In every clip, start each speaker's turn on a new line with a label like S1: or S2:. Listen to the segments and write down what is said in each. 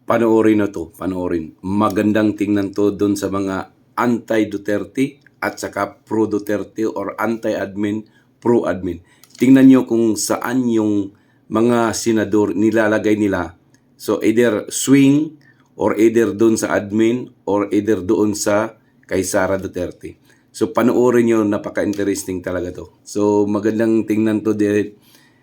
S1: panoorin na to, panoorin. Magandang tingnan to doon sa mga anti-Duterte at saka pro-Duterte or anti-admin, pro-admin. Tingnan nyo kung saan yung mga senador nilalagay nila. So either swing or either doon sa admin or either doon sa kay Sara Duterte. So panoorin nyo, napaka-interesting talaga to. So magandang tingnan to din.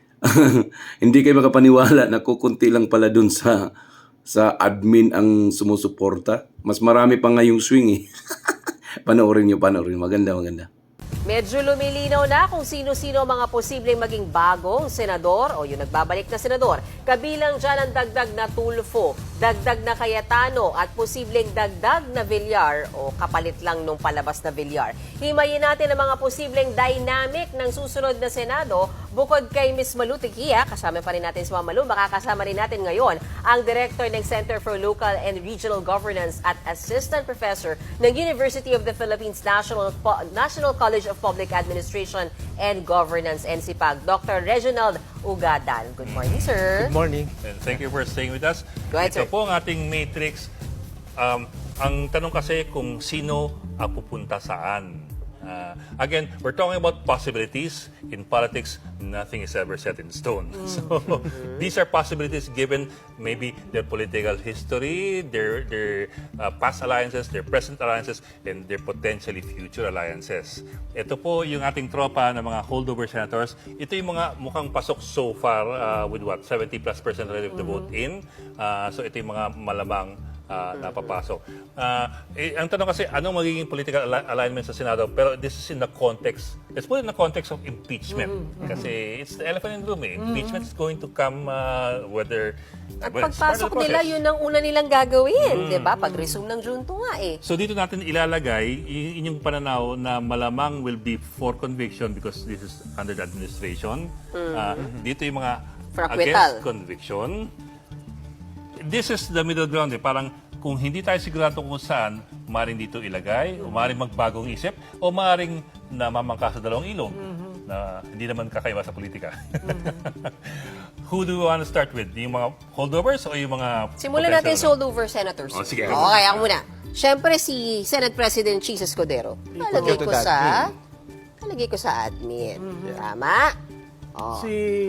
S1: Hindi kayo makapaniwala na kukunti lang pala dun sa admin ang sumusuporta. Mas marami pa nga yung swing eh. Panoorin nyo. Maganda.
S2: Medyo lumilinaw na kung sino-sino ang mga posibleng maging bagong senador o yung nagbabalik na senador. Kabilang dyan ang dagdag na Tulfo, dagdag na Cayetano at posibleng dagdag na Villar o kapalit lang nung palabas na Villar. Himayin natin ang mga posibleng dynamic ng susunod na Senado bukod kay Ms. Malu Tequia. Kasama pa rin natin si Ma'am Malu. Makakasama rin natin ngayon ang Director ng Center for Local and Regional Governance at Assistant Professor ng University of the Philippines National College of Public Administration and Governance, NCPAG, Dr. Reginald Ugadan. Good morning, sir.
S3: Good morning.
S4: And thank you for staying with us.
S2: Go ahead,
S4: Ito
S2: sir.
S4: po ang ating matrix. Ang tanong kasi kung sino ang pupunta saan. Again, we're talking about possibilities. In politics, nothing is ever set in stone. So these are possibilities given maybe their political history, their past alliances, their present alliances, and their potentially future alliances. Ito po yung ating tropa ng mga holdover senators. Ito yung mga mukhang pasok so far with what? 70+% relative to vote in. So ito yung mga malamang napapasok. Ang tanong kasi, anong magiging political alignment sa Senado? Pero this is in the context, let's put it in the context of impeachment. Kasi it's the elephant in the room. Impeachment is going to come whether...
S2: At
S4: well, it's part of
S2: pagpasok
S4: the
S2: nila,
S4: process.
S2: yun ang una nilang gagawin. Diba? Pag-resume ng Junto nga eh.
S4: So dito natin ilalagay inyong pananaw na malamang will be for conviction because this is under the administration. Dito yung mga
S2: For acquittal.
S4: against conviction. This is the middle ground. Parang kung hindi tayo sigurado kung saan, maaaring dito ilagay, o maaaring magbagong isip, o maaaring namamangka sa dalawang ilog na hindi naman kakaiba sa politika. Who do we want to start with? Yung mga holdovers o yung mga...
S2: Simulan natin sa
S4: potential
S2: holdover senators.
S4: Oh, sige.
S2: Okay, ako muna. Siyempre si Senate President Cheese Escudero. Nalagay ko sa admin. Tama? Oh.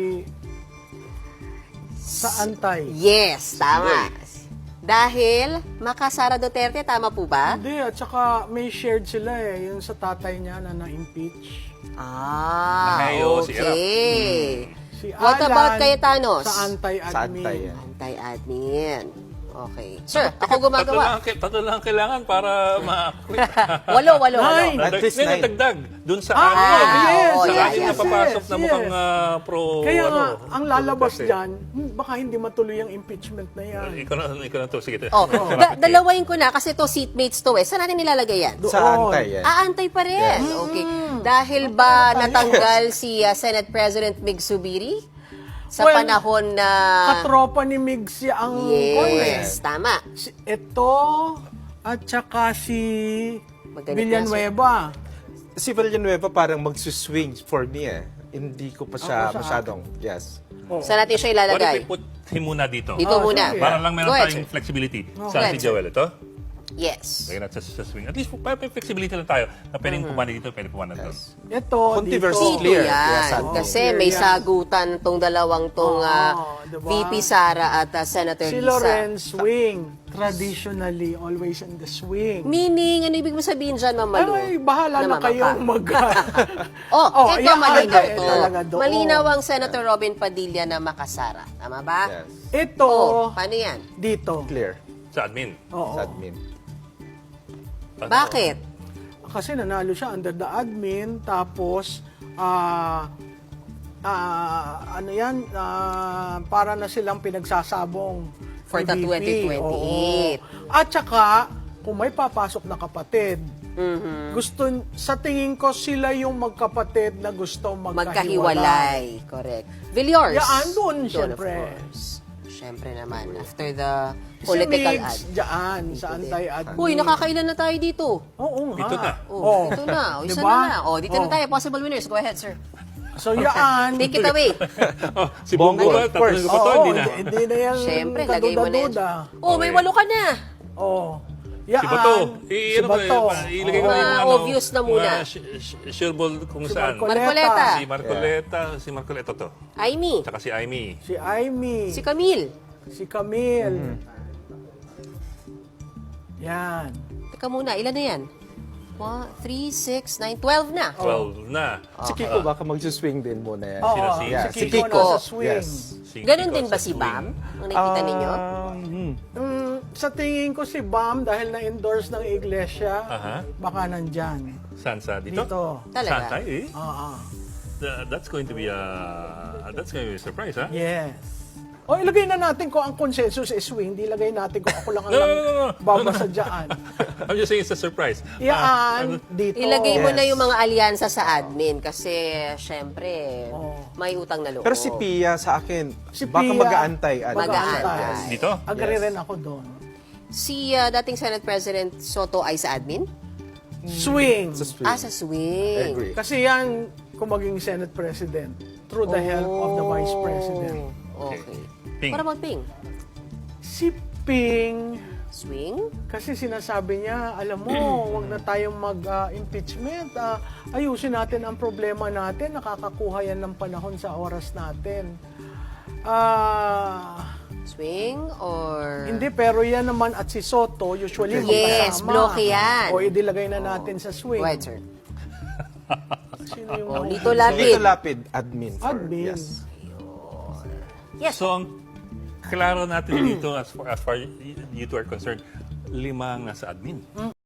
S3: Sa antay.
S2: Yes, tama. Dahil makasara Duterte, tama po ba?
S3: Hindi, at saka may shared sila eh, yung sa tatay niya na na-impeach.
S4: Nahayo, si Erap.
S2: Okay.
S3: Si
S2: What
S3: Alan,
S2: about Cayetano?
S3: sa anti-admin.
S2: Anti-admin. Okay. Sir, ako gumagawa.
S4: Tatlo lang kailangan para ma-quit.
S2: Walo.
S3: Nine.
S4: At least dagdag dun sa
S3: yes,
S2: oo,
S4: sa
S2: yes,
S4: anim na
S3: yes,
S4: papasok na
S3: yes.
S4: mukhang pro
S3: Kaya nga, ang lalabas
S4: Duterte.
S3: dyan, baka hindi matuloy ang impeachment na yan.
S4: Ikaw na to, sige.
S2: Oh, dalawain ko na kasi to seatmates to eh. Saan natin nilalagay yan?
S3: Doon.
S5: Sa antay yan.
S2: Antay pa rin. Okay. Dahil ba natanggal si Senate President Mig Zubiri? Sa
S3: Well,
S2: panahon na...
S3: Katropa ni Migs ang
S2: Yes, tama.
S3: Ito, at saka si
S2: Magalit
S3: Villanueva.
S5: Si Villanueva parang magsuswing for me eh. Hindi ko pa siya
S3: Ako sa
S5: masyadong, yes.
S2: Saan natin siya
S4: What if
S2: ilalagay?
S4: we put him muna dito?
S2: Dito muna.
S3: sige.
S4: Para lang meron
S2: Go ahead,
S4: tayong
S2: sir.
S4: flexibility.
S2: Go
S4: Saan
S2: ahead,
S4: si Joel ito?
S2: Yes.
S4: Lagyan natin sa swing. At least may flexibility lang tayo na pwedeng pumana dito, pwedeng pumana doon.
S3: Ito,
S5: Controversy
S3: dito.
S2: Dito
S5: clear.
S2: yan.
S5: Yes,
S2: Kasi
S3: clear
S2: may
S3: yan.
S2: sagutan tong dalawang tong
S3: diba?
S2: VP Sara at Senator
S3: Si
S2: Lisa.
S3: Lorenz swing. Traditionally, always in the swing.
S2: Meaning, ano ibig mo sabihin dyan, Ma'am Malu?
S3: Ay, bahala na
S2: Namamangka.
S3: kayong mag...
S2: Ito
S3: yan,
S2: malinaw
S3: ay,
S2: to.
S3: talaga doon.
S2: Malinaw ang Senator Robin Padilla na makasara. Tama ba?
S5: Yes.
S3: Ito,
S2: Paano yan?
S3: dito.
S5: Clear.
S4: Sa admin.
S3: Oo.
S5: Sa admin.
S2: Bakit?
S3: Kasi nanalo siya under the admin, tapos, ano yan, para na silang pinagsasabong
S2: For the
S3: ni VP.
S2: 2028.
S3: Oo. At saka, kung may papasok na kapatid, gusto, sa tingin ko, sila yung magkapatid na gusto magkahiwalay.
S2: Magkahiwalay. Correct. Villiers.
S3: Yan, doon,
S2: Doon,
S3: syempre.
S2: of course. Syempre naman. After the
S3: Si
S2: political
S3: Migs,
S2: ad.
S3: dyan, sa anti-admin.
S2: Uy, nakakailan na tayo dito.
S3: Oo nga.
S4: Dito na.
S2: Oh, dito na. O, isa
S3: Diba?
S2: na. O, dito na tayo. Possible winners. Go ahead, sir.
S3: So yan.
S2: Take it away.
S4: Oh, si Bongo ba?
S5: Of course.
S4: Tatanungin ko pa to, hindi na.
S3: Hindi na yan
S2: Siyempre, lagay mo na yan.
S3: kaduda-duda.
S2: Oh, may 8 ka na.
S3: Oh. Yan.
S4: Si Bato.
S3: Si Bato.
S4: Ilagay ko na yung
S2: Obvious na muna.
S4: Sure ball kung saan.
S2: Marcoleta.
S4: Si Marcoleta. Si Marcoleta to.
S2: Aimee.
S4: Tsaka si Aimee.
S3: Si Aimee.
S2: Si Camille.
S3: Si Camille. Yan.
S2: Teka muna, ilan na yan? 1, 3, 6, 9, 12 na.
S4: 12 na.
S5: Si Kiko baka mag-swing din muna yan.
S3: Oo,
S4: Sino,
S3: si
S5: si
S3: Kiko
S2: Kiko?
S3: nasa swing.
S5: Yes.
S4: Si
S2: Ganon
S4: Kiko
S2: din ba
S4: sa
S2: si
S4: swing.
S2: Bam? Ang nakikita ninyo?
S3: Sa tingin ko si Bam, dahil na-endorse ng iglesia,
S4: Aha.
S3: baka nandyan.
S4: Saan sa dito?
S3: Dito.
S2: Talaga?
S4: Saan tayo eh?
S3: Oo.
S4: That's going to be a surprise, ha?
S3: Yes. O ilagay na natin kung ang consensus is swing, di ilagay natin kung ako lang ang
S4: No.
S3: babasa dyan.
S4: I'm just saying it's a surprise.
S3: Yan, dito.
S2: Ilagay mo
S5: Yes.
S2: na yung mga alyansa sa admin kasi syempre may utang na loob.
S5: Pero si Pia sa akin,
S3: Si
S5: baka
S3: Pia,
S5: mag-aantay.
S2: Mag-aantay.
S4: Dito?
S3: Agree rin ako doon.
S2: Si dating Senate President Soto ay sa admin?
S3: Swing.
S5: Sa swing.
S2: Sa swing.
S5: Agree.
S3: Kasi yan, kung maging Senate President, through the help of the Vice President.
S2: Okay.
S4: Ping.
S2: Para mag-ping.
S3: Si Ping,
S2: Swing?
S3: kasi sinasabi niya, alam mo, wag na tayong mag-impeachment. Ayusin natin ang problema natin. Nakakakuha yan ng panahon sa oras natin.
S2: Swing or...
S3: Hindi, pero yan naman at si Soto, usually
S2: Yes,
S3: magkasama.
S2: bloke yan.
S3: O idilagay na natin sa swing.
S2: Go ahead, sir.
S3: Sino yung
S2: Oh, Lito Lapid.
S5: Lito Lapid, admin.
S3: Admin.
S5: Yes.
S2: Yes.
S4: So, ang klaro natin dito as far you two are concerned, 5 ang nasa admin.